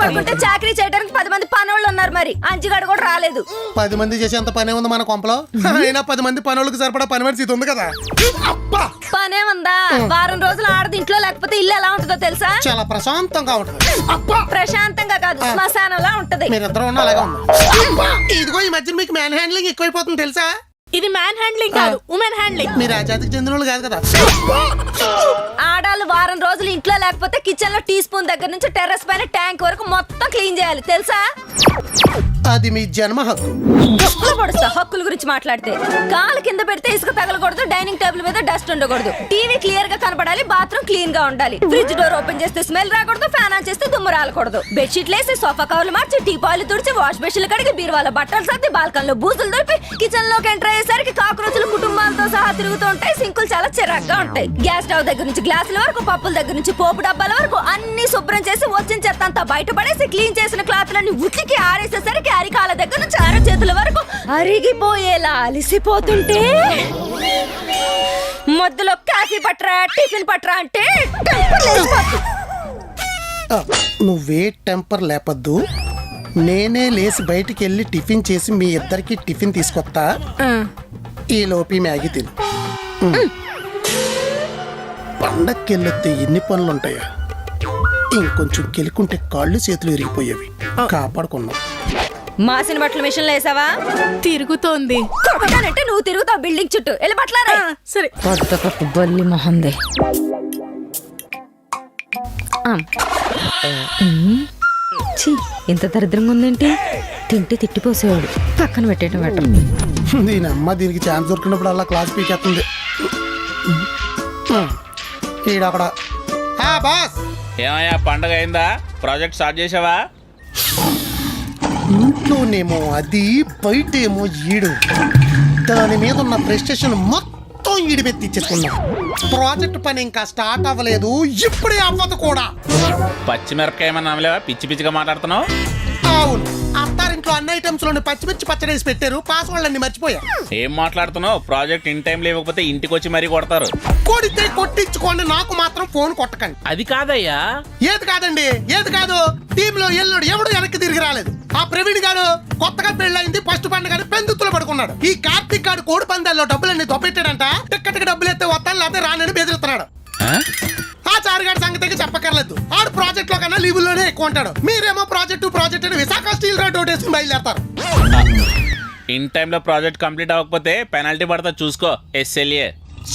పడుకుంటే చాకరీ చేయడానికి 10 మంది పనోళ్ళు ఉన్నారు. మరి అంచుగాడు కూడా రాలేదు. 10 మంది చేసేంత పనే ఉంది మన కొంపలో. అయినా 10 మంది పనులకు సరిపడా పని మనిషి ఉంది కదా. పనే ఉందా? వారం రోజులు ఆడది ఇంట్లో లేకపోతే ఇల్లు ఎలా ఉంటుందో తెలుసా? చాలా ప్రశాంతంగా ఉంటుంది. ప్రశాంతంగా కాదు, శ్మశానంలా ఉంటది. మీరిద్దరు ఉన్న అలాగే ఉంది. ఇదిగో ఈ మధ్య మీకు మ్యాన్ హ్యాండ్లింగ్ ఎక్కువైపోతుంది తెలుసా? ఇది మ్యాన్ హ్యాండ్లింగ్ కాదు, ఉమెన్ హ్యాండ్లింగ్. మీరు ఆ జాతికి చెందిన వాళ్ళు కాదు కదా. ఆడాలు వారం రోజులు ఇంట్లో లేకపోతే కిచెన్ లో టీ స్పూన్ దగ్గర నుంచి టెర్రస్ పైన ట్యాంక్ వరకు మొత్తం క్లీన్ చేయాలి తెలుసా? అది మీ జన్మ హక్కు. గొప్పలు పడుస్తా హక్కుల గురించి మాట్లాడితే. కాలు కింద పెడితే ఇసుక తగలకూడదు, డైనింగ్ టేబుల్ మీద డస్ట్ ఉండకూడదు, టీవీ క్లియర్ గా కనపడాలి, బాత్రూమ్ క్లీన్ గా ఉండాలి, ఫ్రిడ్జ్ డోర్ ఓపెన్ చేస్తే స్మెల్ రాకూడదు, ఫ్యాన్ ఆన్ చేస్తే దుమ్ము రాలకూడదు, బెడ్షీట్లు వేసి సోఫా కవర్లు మార్చి టీపాయిలు తుడిచి వాష్ బేసిన్లు కడిగి బీరువాల బట్టలు సర్ది బాల్కన్లో బూజులు దొరికి కిచెన్ లోకి ఎంటర్ అయ్యేసరికి కాక్రోచులు కుటుంబాలతో సహా తిరుగుతూ ఉంటాయి. సింకులు చాలా చిరాగ్గా ఉంటాయి. గ్యాస్ స్టవ్ దగ్గర నుంచి గ్లాసుల వరకు, పప్పుల దగ్గర నుంచి పోపు డబ్బాల వరకు అన్ని శుభ్రం చేసి వచ్చిన చెత్త అంతా బయటపడేసి క్లీన్ చేసిన క్లాత్లన్నీ ఉతికి ఆరేసేసరికి అరికాల దగ్గర నుంచి అరచేతుల వరకు అరిగిపోయేలా అలిసిపోతుంటే మధ్యలో కాఫీ పట్రా టిఫిన్ పట్రా అంటే టెంపర్ లేచిపోతుంది. నువ్వే టెంపర్ లేపద్దు. నేనే లేచి బయటికి వెళ్ళి టిఫిన్ చేసి మీ ఇద్దరికి టిఫిన్ తీసుకొస్తా. ఈ లోపి మ్యాగీ తిను. పండక్కి వెళ్ళొస్తే ఎన్ని పనులు ఉంటాయా? ఇంకొంచెం కెలుకుంటే కాళ్ళు చేతులు విరిగిపోయేవి. కాపాడుకున్నావు. మాసిన బట్టల మిషన్ లో వేసావా? తిరుగుతోంది. కొట్టనంటే నువ్వు తిరుగుతావు బిల్డింగ్ చుట్టూ. వెళ్ళి బట్టలారా. సరే. బల్లి మొహందే. ఇంత దరిద్రంగా ఉందేంటి? తింటే తిట్టిపోసేవాడు. పక్కన పెట్టేయటం బెటర్. దీని అమ్మ దీనికి ఛాన్స్ దొరికినప్పుడు అలా క్లాస్ పీకేస్తుంది. ఈడక్కడ బాస్. ఏమయ్యా పండగ అయిందా? ప్రాజెక్ట్ స్టార్ట్ చేసావా? ఇంట్లోనేమో అది, బయటేమో ఈడు. దాని మీద ఉన్న ప్రెస్టేషన్ మొత్తం ఈడి మీద తెచ్చేసుకున్నా. ప్రాజెక్ట్ పని ఇంకా స్టార్ట్ అవ్వలేదు, ఇప్పుడే అవ్వదు కూడా. పచ్చిమిరపకాయ ఏమన్నా అమ్మలేవా? పిచ్చి పిచ్చిగా మాట్లాడుతున్నావు. అవును, అత్తారింట్లో అన్ని ఐటమ్స్ లోని పచ్చిమిర్చి పచ్చడేసి పెట్టారు. పాస్వర్డ్ అన్ని మర్చిపోయా. ఏం మాట్లాడుతున్నావు? ప్రాజెక్ట్ ఇన్ టైం లేకపోతే ఇంటికి వచ్చి మరీ కొడతారు. కొడితే కొట్టించుకోండి, నాకు మాత్రం ఫోన్ కొట్టకండి. అది కాదయ్యా. ఏది కాదండి? ఏది కాదు? టీమ్ లో ఎల్లుడు ఎవడు వెనక్కి తిరిగి రాలేదు. ఆ ప్రవీణ్ గాడు కొత్తగా పెళ్ళయింది, ఫస్ట్ పండుగ పెందుతులు పడుకున్నాడు. ఈ కార్తీక్ గాడు కోడి పందాల్లో డబ్బులన్నీ దొబ్బెట్టాడంట. టిక్కటికి డబ్బులు ఎత్తే వస్తాను లేకపోతే రానని బెదిరిస్తున్నాడు. ఆ చారుగాడి సంగతికి చెప్పక్కర్లేదు. ఆడు ప్రాజెక్ట్ లో కన్నా లీవుల్లోనే ఎక్కువ ఉంటాడు. మీరేమో ప్రాజెక్ట్ అని విశాఖ స్టీల్ రోడ్ వేసుకుని బయలుదేరతారు. ఇన్ టైంలో ప్రాజెక్ట్ కంప్లీట్ అవ్వకపోతే పెనాల్టీ పడతా చూసుకో. ఎస్ఎల్ఏ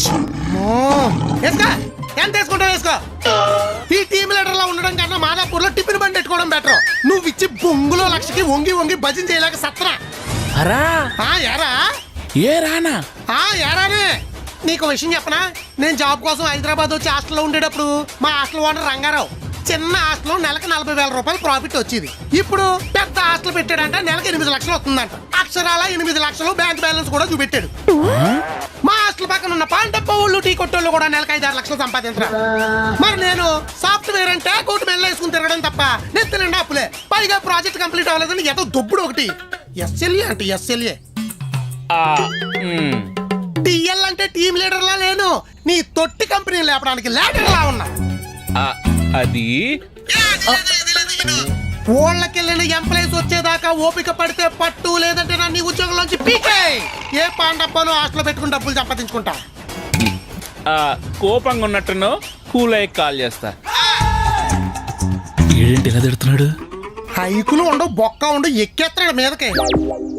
ఎంత వేసుకుంటావు వేసుకో. ఈ టీమ్ లీడర్ లా ఉండడం కన్నా మాదాపూర్ లో టిఫిన్ బండి పెట్టుకోవడం బెటర్. నువ్వు ఇచ్చి బొంగులో లక్షకి వంగి వంగి భజన చేయలేక సత్రా. యారా ఏ రానా? యారానే. నీకు విషయం చెప్పనా? నేను జాబ్ కోసం హైదరాబాద్ వచ్చి హాస్టల్లో ఉండేటప్పుడు మా హాస్టల్ ఓనర్ రంగారావు చిన్న హాస్టల్ నెలకు 40,000 రూపాయలు ప్రాఫిట్ వచ్చేది. ఇప్పుడు పెద్ద హాస్టల్ పెట్టాడంట, నెలకు 8 లక్షలు వస్తుందంట. అక్షరాల 8 లక్షలు బ్యాంక్ బ్యాలెన్స్ కూడా చూపెట్టాడు. మా హాస్టల్ పక్కన ఉన్న పాండప్ప వాళ్ళు టీ కొట్టోళ్ళు కూడా నెలకు 5-6 లక్షలు సంపాదించరా. మరి నేను సాఫ్ట్వేర్ అంటే కోటి మెల్ల వేసుకుని తిరగడం తప్ప నెత్తి నిండా అప్పులే. పైగా ప్రాజెక్ట్ కంప్లీట్ అవ్వలేదని ఏదో దొబ్బుడు ఒకటి. ఎస్ఎల్ఏ అంటే ఎస్ఎల్ఏ. టీఎల్ అంటే టీమ్ లీడర్ లా లేను, నీ తొట్టి కంపెనీ లేపడానికి లీడర్ లా ఉన్నా. అది ఓళ్ళకెళ్ళిన ఎంప్లాయీస్ వచ్చేదాకా ఓపిక పడితే పట్టు, లేదంటే నా నీ ఉద్యోగంలోంచి పీకే. ఏ పాండప్పను హాస్టల్ పెట్టుకుని డబ్బులు సంపాదించుకుంటా. కోపంగా ఉన్నట్టును కూల్ అయ్యి కాల్ చేస్తా. ఏంటి ఇలా తిడుతున్నాడు? హైకులు ఉండవు, బొక్క ఉండవు, ఎక్కేస్తున్నాడు మీదకి.